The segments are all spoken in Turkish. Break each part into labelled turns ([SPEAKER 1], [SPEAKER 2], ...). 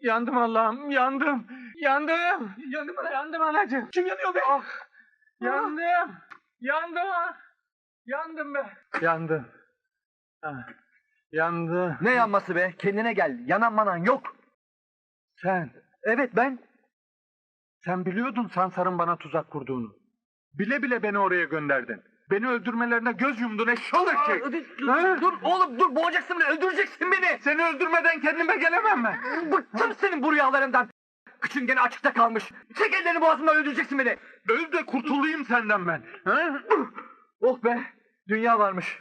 [SPEAKER 1] Yandım Allah'ım, yandım. Yandım. Yandım anacığım. Kim yanıyor be? Ah, yandım. Yandım. Yandım be. Yandım. Ah, yandım.
[SPEAKER 2] Ne yanması be? Kendine gel. Yanan manan yok.
[SPEAKER 1] Sen,
[SPEAKER 2] Evet ben.
[SPEAKER 1] sen biliyordun Sansar'ın bana tuzak kurduğunu. Bile bile beni oraya gönderdin. Beni öldürmelerine göz yumdun eşşoğlu eşek.
[SPEAKER 2] Dur oğlum dur, boğacaksın beni, öldüreceksin beni.
[SPEAKER 1] Seni öldürmeden kendime gelemem ben.
[SPEAKER 2] Bıktım senin bu rüyalarından. Kıçın gene açıkta kalmış. Çek ellerini boğazımdan, öldüreceksin beni.
[SPEAKER 1] Öl de kurtulayım senden ben. Ha?
[SPEAKER 2] Oh be, dünya varmış.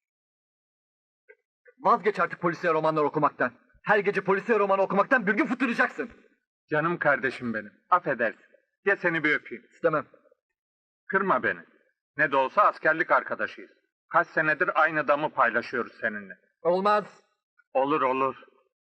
[SPEAKER 2] Vazgeç artık polisiye romanlar okumaktan. Her gece polisiye roman okumaktan bir gün fıtıracaksın.
[SPEAKER 1] Canım kardeşim benim. Affedersin. Gel seni bir öpeyim.
[SPEAKER 2] İstemem.
[SPEAKER 1] Kırma beni. Ne de olsa askerlik arkadaşıyız. Kaç senedir aynı damı paylaşıyoruz seninle.
[SPEAKER 2] Olmaz.
[SPEAKER 1] Olur olur.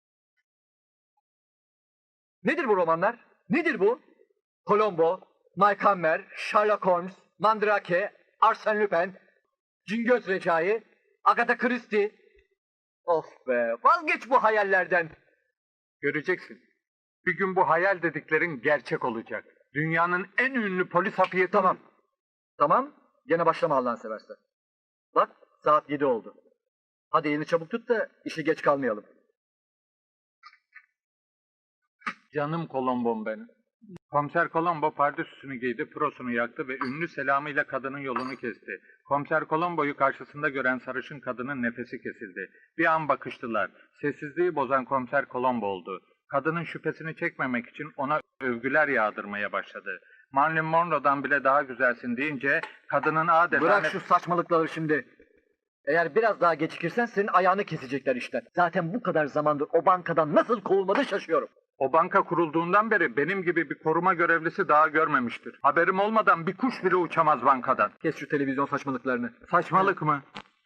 [SPEAKER 2] Nedir bu romanlar? Nedir bu? Columbo, Mike Hammer, Sherlock Holmes, Mandrake, Arsène Lupin, Cingöz Recai, Agatha Christie. Of be, vazgeç bu hayallerden.
[SPEAKER 1] Göreceksin. Bir gün bu hayal dediklerin gerçek olacak. Dünyanın en ünlü polis hafiyeti...
[SPEAKER 2] Tamam. Tamam, gene başlama Allah'ını seversen. Bak, saat 7 oldu. Hadi elini çabuk tut da işe geç kalmayalım.
[SPEAKER 1] Canım Kolombom benim. Komiser Kolombo pardösüsünü giydi, prosunu yaktı ve ünlü selamıyla kadının yolunu kesti. Komiser Kolombo'yu karşısında gören sarışın kadının nefesi kesildi. Bir an bakıştılar. Sessizliği bozan Komiser Kolombo oldu. Kadının şüphesini çekmemek için ona övgüler yağdırmaya başladı. Marilyn Monroe'dan bile daha güzelsin deyince kadının adeta...
[SPEAKER 2] Bırak şu saçmalıkları şimdi. Eğer biraz daha gecikirsen senin ayağını kesecekler işte. Zaten bu kadar zamandır o bankadan nasıl kovulmadı şaşıyorum.
[SPEAKER 1] O banka kurulduğundan beri benim gibi bir koruma görevlisi daha görmemiştir. Haberim olmadan bir kuş bile uçamaz bankadan.
[SPEAKER 2] Kes şu televizyon saçmalıklarını.
[SPEAKER 1] Saçmalık mı?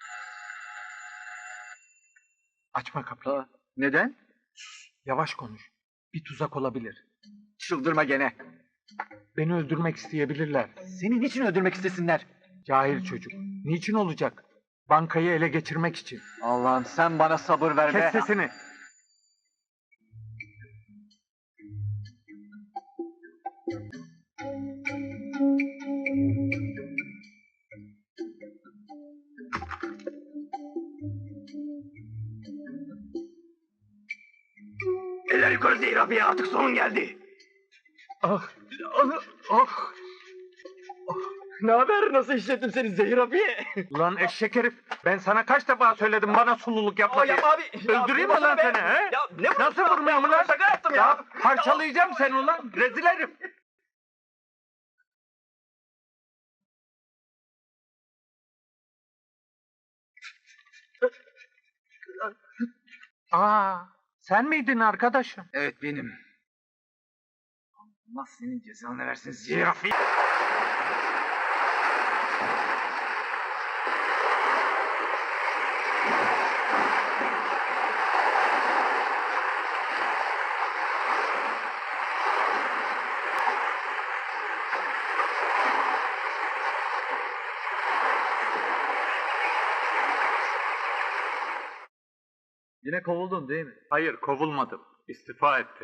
[SPEAKER 1] Açma kapıyı.
[SPEAKER 2] Ha, neden?
[SPEAKER 1] Yavaş konuş. Bir tuzak olabilir.
[SPEAKER 2] Çıldırma gene.
[SPEAKER 1] Beni öldürmek isteyebilirler.
[SPEAKER 2] Seni niçin öldürmek istesinler?
[SPEAKER 1] Cahil çocuk. Niçin olacak? Bankayı ele geçirmek için.
[SPEAKER 2] Allah'ım sen bana sabır ver be.
[SPEAKER 1] Kes sesini.
[SPEAKER 2] Eller yukarı Zehir abiye, artık sonun geldi.
[SPEAKER 1] Ah, ah.
[SPEAKER 2] Ne haber, nasıl işlettim seni Zehir abiye?
[SPEAKER 1] Ulan eşek herif. Ben sana kaç defa söyledim bana sululuk yapma diye.
[SPEAKER 2] Yapma abi.
[SPEAKER 1] Öldüreyim mi lan seni he?
[SPEAKER 2] Ya ne
[SPEAKER 1] Nasıl vurmayayım ulan?
[SPEAKER 2] Şaka yaptım ya.
[SPEAKER 1] Ya parçalayacağım seni ulan. Rezil herif. Aa, sen miydin arkadaşım?
[SPEAKER 2] Evet benim. Allah senin cezanı versin Zehir abi. Yine kovuldun değil mi?
[SPEAKER 1] Hayır, kovulmadım. İstifa ettim.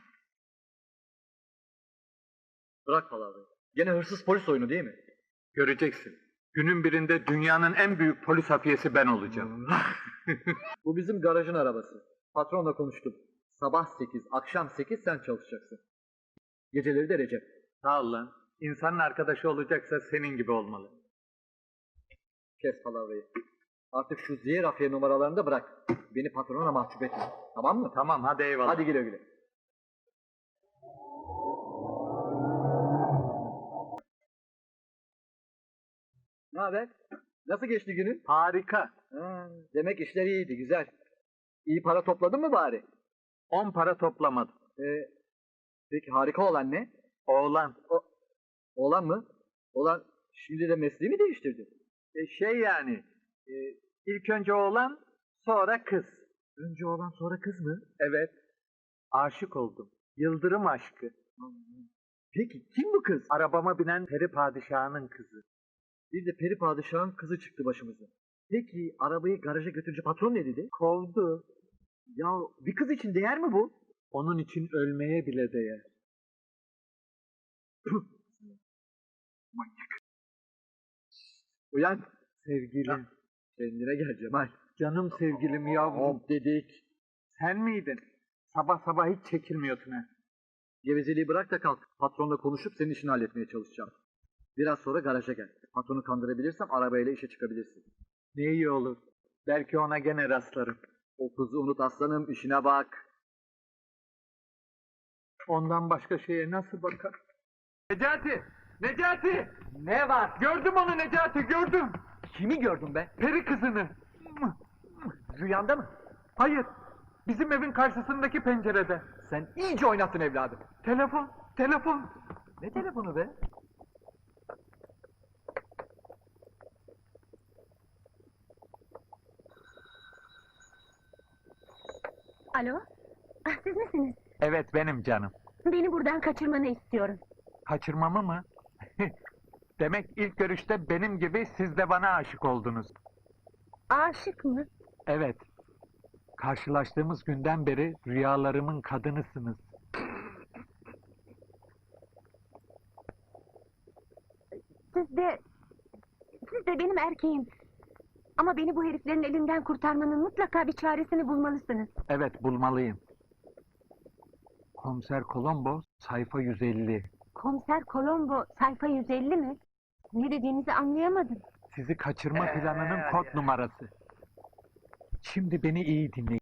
[SPEAKER 2] Bırak palavrayı. Gene hırsız polis oyunu değil mi?
[SPEAKER 1] Göreceksin. Günün birinde dünyanın en büyük polis hafiyesi ben olacağım.
[SPEAKER 2] Bu bizim garajın arabası. Patronla konuştum. Sabah 8, akşam 8 sen çalışacaksın. Geceleri de Recep.
[SPEAKER 1] Sağ ol lan. İnsanın arkadaşı olacaksa senin gibi olmalı.
[SPEAKER 2] Kes palavrayı. Artık şu Zehir Afiye numaralarını da bırak. Beni patrona mahcup etme. Tamam mı?
[SPEAKER 1] Tamam, hadi eyvallah.
[SPEAKER 2] Hadi güle güle. Ne haber? Nasıl geçti günün?
[SPEAKER 1] Harika.
[SPEAKER 2] Ha, demek işler iyiydi, güzel. İyi para topladın mı bari?
[SPEAKER 1] 10 para toplamadım.
[SPEAKER 2] Peki harika olan ne?
[SPEAKER 1] Oğlan.
[SPEAKER 2] Oğlan mı? Oğlan şimdi de mesleği mi değiştirdi?
[SPEAKER 1] Şey yani. İlk önce oğlan, sonra kız.
[SPEAKER 2] Önce oğlan sonra kız mı?
[SPEAKER 1] Evet. Aşık oldum. Yıldırım aşkı.
[SPEAKER 2] Peki kim bu kız?
[SPEAKER 1] Arabama binen peri padişahının kızı.
[SPEAKER 2] Bir de peri padişahın kızı çıktı başımıza. Peki arabayı garaja götürünce patron ne dedi?
[SPEAKER 1] Kovdu.
[SPEAKER 2] Ya bir kız için değer mi bu?
[SPEAKER 1] Onun için ölmeye bile değer.
[SPEAKER 2] Uyan.
[SPEAKER 1] Sevgilim,
[SPEAKER 2] Kendine gel Cemal.
[SPEAKER 1] canım sevgilim yavrum.
[SPEAKER 2] Hop dedik.
[SPEAKER 1] Sen miydin? Sabah sabah hiç çekilmiyorsun ha.
[SPEAKER 2] Gevezeliği bırak da kalk. Patronla konuşup senin işini halletmeye çalışacağım. Biraz sonra garaja gel. Patronu kandırabilirsem arabayla işe çıkabilirsin.
[SPEAKER 1] Ne iyi olur. Belki ona gene rastlarım.
[SPEAKER 2] O kızı unut aslanım, işine bak.
[SPEAKER 1] Ondan başka şeye nasıl bakar? Necati! Necati!
[SPEAKER 2] Ne var?
[SPEAKER 1] Gördüm onu Necati, gördüm.
[SPEAKER 2] Kimi gördün be?
[SPEAKER 1] Peri kızını.
[SPEAKER 2] Rüyanda mı?
[SPEAKER 1] Hayır, bizim evin karşısındaki pencerede.
[SPEAKER 2] Sen iyice oynattın evladım.
[SPEAKER 1] Telefon.
[SPEAKER 2] Ne telefonu be?
[SPEAKER 3] Alo? Ah, siz misiniz?
[SPEAKER 1] Evet benim canım.
[SPEAKER 3] Beni buradan kaçırmanı istiyorum.
[SPEAKER 1] Kaçırmamı mı? Demek ilk görüşte benim gibi siz de bana aşık oldunuz.
[SPEAKER 3] Aşık mı?
[SPEAKER 1] Evet. Karşılaştığımız günden beri rüyalarımın kadınısınız.
[SPEAKER 3] Siz de benim erkeğim. Ama beni bu heriflerin elinden kurtarmanın mutlaka bir çaresini bulmalısınız.
[SPEAKER 1] Evet bulmalıyım. Komiser Colombo sayfa 150.
[SPEAKER 3] Komiser Colombo sayfa 150 mi? Ne dediğinizi anlayamadım.
[SPEAKER 1] Sizi kaçırma planının kod numarası. Şimdi beni iyi dinleyin.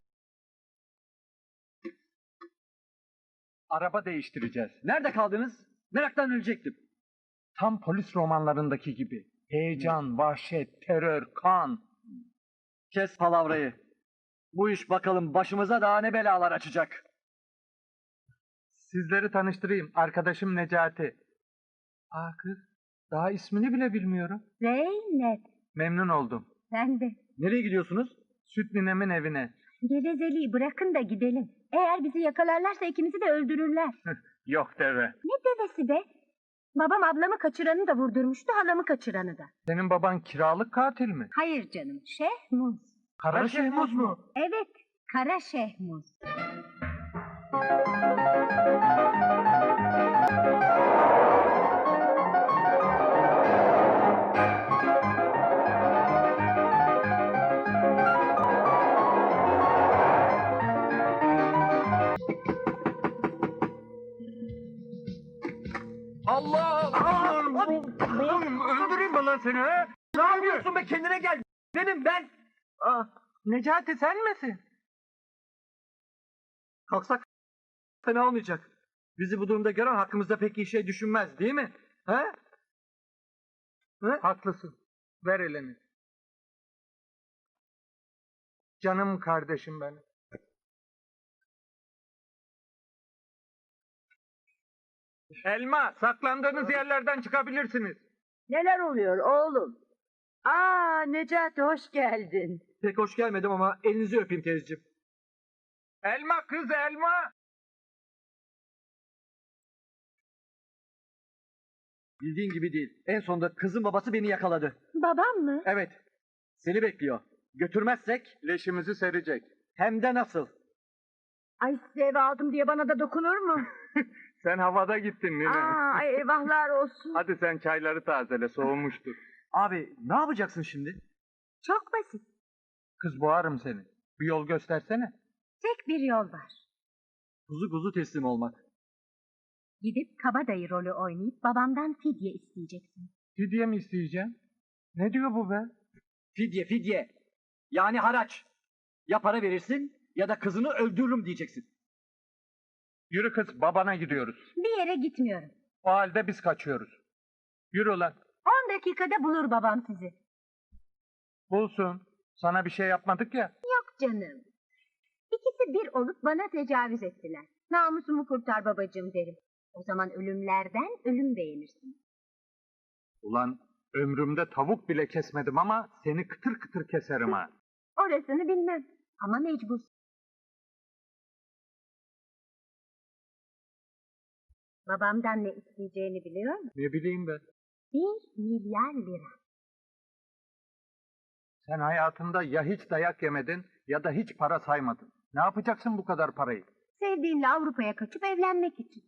[SPEAKER 1] Araba değiştireceğiz.
[SPEAKER 2] Nerede kaldınız? Meraktan ölecektim.
[SPEAKER 1] Tam polis romanlarındaki gibi. Heyecan, vahşet, terör, kan.
[SPEAKER 2] Kes palavrayı. Bu iş bakalım başımıza daha ne belalar açacak.
[SPEAKER 1] Sizleri tanıştırayım. Arkadaşım Necati. Kız. Daha ismini bile bilmiyorum.
[SPEAKER 3] Zeynep,
[SPEAKER 1] Memnun oldum.
[SPEAKER 3] sen de.
[SPEAKER 2] Nereye gidiyorsunuz?
[SPEAKER 1] Süt ninemin evine.
[SPEAKER 3] Gevezeliği bırakın da gidelim. Eğer bizi yakalarlarsa ikimizi de öldürürler.
[SPEAKER 1] Yok deve.
[SPEAKER 3] Ne devesi be? Babam ablamı kaçıranı da vurdurmuştu, halamı kaçıranı da.
[SPEAKER 1] Senin baban kiralık katil mi?
[SPEAKER 3] Hayır canım, Şehmuz.
[SPEAKER 1] Kara Şehmuz mu?
[SPEAKER 3] Evet, Kara Şehmuz.
[SPEAKER 2] Allah!
[SPEAKER 1] Öldüreyim mi lan seni ha?
[SPEAKER 2] Ne yapıyorsun be, kendine gel. Benim ben.
[SPEAKER 1] Necati sen misin?
[SPEAKER 2] Kalksak fena olmayacak. Bizi bu durumda gören hakkımızda pek iyi şey düşünmez değil mi? He?
[SPEAKER 1] Haklısın. Ver elini. Canım kardeşim benim. Elma, saklandığınız yerlerden çıkabilirsiniz.
[SPEAKER 4] Neler oluyor oğlum? Necati hoş geldin.
[SPEAKER 2] Pek hoş gelmedim ama elinizi öpeyim teyzeciğim.
[SPEAKER 1] Elma kız elma.
[SPEAKER 2] Bildiğin gibi değil. En sonunda kızın babası beni yakaladı.
[SPEAKER 3] Babam mı?
[SPEAKER 2] Evet. Seni bekliyor. Götürmezsek
[SPEAKER 1] Leşimizi serecek.
[SPEAKER 2] hem de nasıl?
[SPEAKER 4] Ay size ev aldım diye bana da dokunur mu?
[SPEAKER 1] Sen havada gittin Nine.
[SPEAKER 4] Ay eyvahlar olsun.
[SPEAKER 1] Hadi sen çayları tazele, soğumuştur.
[SPEAKER 2] Abi ne yapacaksın şimdi?
[SPEAKER 3] Çok basit.
[SPEAKER 1] Kız boğarım seni. Bir yol göstersene.
[SPEAKER 3] Tek bir yol var.
[SPEAKER 2] Kuzu kuzu teslim olmak.
[SPEAKER 3] Gidip kabadayı rolü oynayıp babamdan fidye isteyeceksin.
[SPEAKER 1] Fidye mi isteyeceğim? Ne diyor bu be?
[SPEAKER 2] Fidye fidye. Yani haraç. Ya para verirsin ya da kızını öldürürüm diyeceksin.
[SPEAKER 1] Yürü kız, babana gidiyoruz.
[SPEAKER 3] Bir yere gitmiyorum.
[SPEAKER 1] O halde biz kaçıyoruz. Yürü lan.
[SPEAKER 3] 10 dakikada bulur babam sizi.
[SPEAKER 1] Bulsun. Sana bir şey yapmadık ya.
[SPEAKER 3] Yok canım. İkisi bir olup bana tecavüz ettiler. Namusumu kurtar babacığım derim. O zaman ölümlerden ölüm beğenirsin.
[SPEAKER 1] Ulan ömrümde tavuk bile kesmedim ama seni kıtır kıtır keserim ha.
[SPEAKER 3] Orasını bilmem. Ama mecbur. Babamdan ne isteyeceğini biliyor musun?
[SPEAKER 1] Ne bileyim ben.
[SPEAKER 3] 1 milyar lira.
[SPEAKER 1] Sen hayatında ya hiç dayak yemedin ya da hiç para saymadın. Ne yapacaksın bu kadar parayı?
[SPEAKER 3] Sevdiğinle Avrupa'ya kaçıp evlenmek için.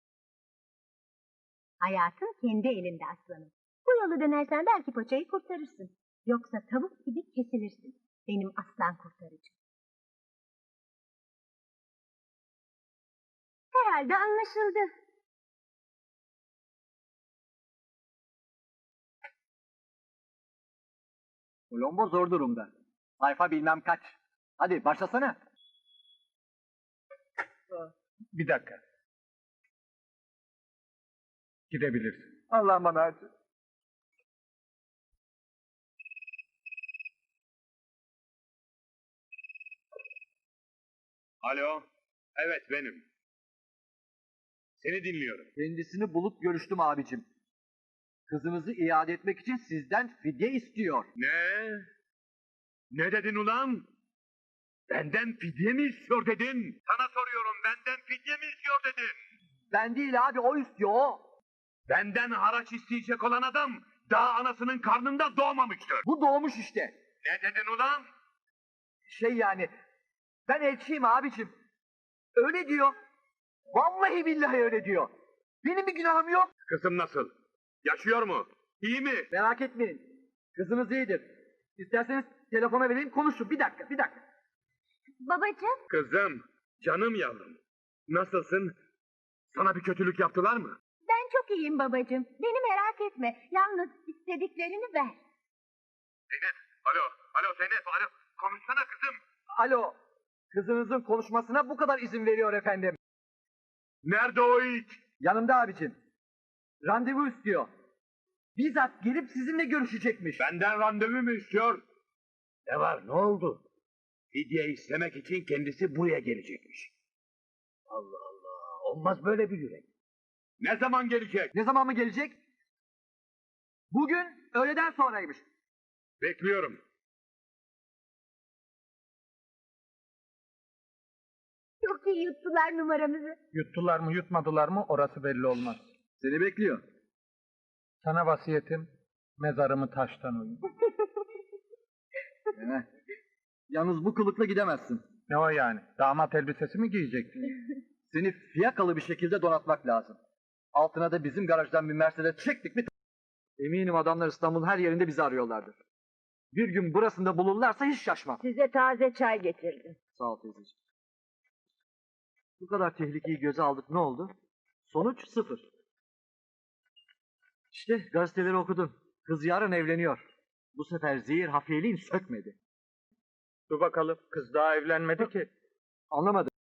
[SPEAKER 3] Hayatın kendi elinde aslanım. Bu yolu dönersen belki paçayı kurtarırsın. Yoksa tavuk gibi kesilirsin. Benim aslan kurtarıcım. Herhalde anlaşıldı.
[SPEAKER 2] Colombo zor durumda. Sayfa bilmem kaç. Hadi başlasana.
[SPEAKER 1] Bir dakika. Gidebilirsin.
[SPEAKER 2] Allah'ım bana acı.
[SPEAKER 5] Alo, evet benim. Seni dinliyorum.
[SPEAKER 2] Kendisini bulup görüştüm abicim. Kızınızı iade etmek için sizden fidye istiyor.
[SPEAKER 5] Ne? Ne dedin ulan? Benden fidye mi istiyor dedin? Sana soruyorum, benden fidye mi istiyor dedin?
[SPEAKER 2] Ben değil abi, o istiyor o.
[SPEAKER 5] Benden haraç isteyecek olan adam daha anasının karnında doğmamıştır.
[SPEAKER 2] Bu doğmuş işte.
[SPEAKER 5] Ne dedin ulan?
[SPEAKER 2] Şey yani, ben elçiyim abicim. Öyle diyor. Vallahi billahi öyle diyor. Benim bir günahım yok.
[SPEAKER 5] Kızım nasıl? Yaşıyor mu? İyi mi?
[SPEAKER 2] Merak etmeyin. Kızınız iyidir. İsterseniz telefona vereyim konuşun. Bir dakika, bir dakika.
[SPEAKER 3] Babacığım,
[SPEAKER 5] Kızım, canım yavrum. Nasılsın? Sana bir kötülük yaptılar mı?
[SPEAKER 3] ben çok iyiyim babacığım. Beni merak etme. Yalnız istediklerini ver.
[SPEAKER 5] Zeynep, alo Zeynep, alo. Konuşsana kızım.
[SPEAKER 2] Alo, kızınızın konuşmasına bu kadar izin veriyor efendim.
[SPEAKER 5] Nerede o it?
[SPEAKER 2] Yanımda abicim. Randevu istiyor. Bizzat gelip sizinle görüşecekmiş.
[SPEAKER 5] Benden randevu mu istiyor? Ne var, ne oldu? Fidye istemek için kendisi buraya gelecekmiş. Allah Allah, olmaz böyle bir yürek. Ne zaman gelecek?
[SPEAKER 2] Ne zaman mı gelecek? Bugün öğleden sonraymış.
[SPEAKER 5] Bekliyorum.
[SPEAKER 3] Çok iyi yuttular numaramızı.
[SPEAKER 1] Yuttular mı yutmadılar mı orası belli olmaz.
[SPEAKER 2] Seni bekliyor.
[SPEAKER 1] Sana vasiyetim mezarımı taştan oyun.
[SPEAKER 2] Yalnız bu kılıkla gidemezsin.
[SPEAKER 1] Ne o yani? Damat elbisesi mi giyeceksin?
[SPEAKER 2] Seni fiyakalı bir şekilde donatmak lazım. Altına da bizim garajdan bir Mercedes çektik mi? Eminim adamlar İstanbul'un her yerinde bizi arıyorlardır. Bir gün burasında bulurlarsa hiç şaşmam.
[SPEAKER 4] Size taze çay getirdim.
[SPEAKER 2] Sağ ol teyzeciğim. Bu kadar tehlikeyi göze aldık, ne oldu? Sonuç 0. İşte gazeteleri okudum. Kız yarın evleniyor. Bu sefer zehir hafiyeliğin sökmedi.
[SPEAKER 1] Dur bakalım. Kız daha evlenmedi ki.
[SPEAKER 2] Anlamadım.